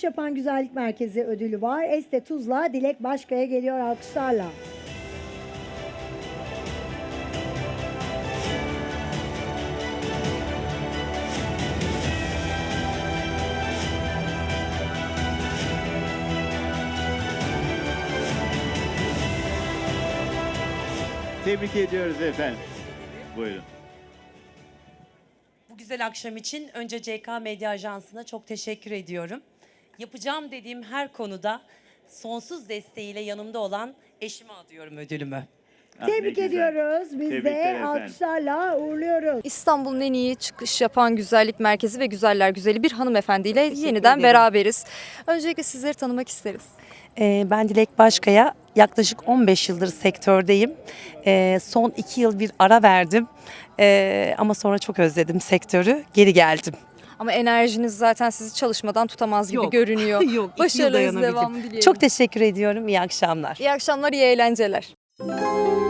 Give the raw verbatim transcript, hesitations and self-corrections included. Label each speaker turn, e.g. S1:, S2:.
S1: Yapan Güzellik Merkezi ödülü var. Este Tuzla Dilek Başkaya geliyor alkışlarla.
S2: Tebrik ediyoruz efendim. Buyurun.
S3: Bu güzel akşam için önce C K Medya Ajansı'na çok teşekkür ediyorum. Yapacağım dediğim her konuda sonsuz desteğiyle yanımda olan eşime adıyorum ödülümü.
S2: Ah, ne
S1: Tebrik
S2: güzel.
S1: ediyoruz. Biz
S2: Tebrikler
S1: de
S2: efendim.
S1: alkışlarla uğurluyoruz.
S4: İstanbul'un en iyi çıkış yapan güzellik merkezi ve güzeller güzeli bir hanımefendiyle yeniden
S5: ederim.
S4: beraberiz. Öncelikle sizleri tanımak isteriz.
S5: Ee, ben Dilek Başkaya, yaklaşık on beş yıldır sektördeyim. Ee, son iki yıl bir ara verdim Ee, ama sonra çok özledim sektörü, geri geldim.
S4: Ama enerjiniz zaten sizi çalışmadan tutamaz gibi
S5: Yok.
S4: görünüyor.
S5: Yok, iki yıl
S4: Başarınız
S5: dayanabildim.
S4: devamı dileyelim.
S5: Çok teşekkür ediyorum, iyi akşamlar.
S4: İyi akşamlar, iyi eğlenceler.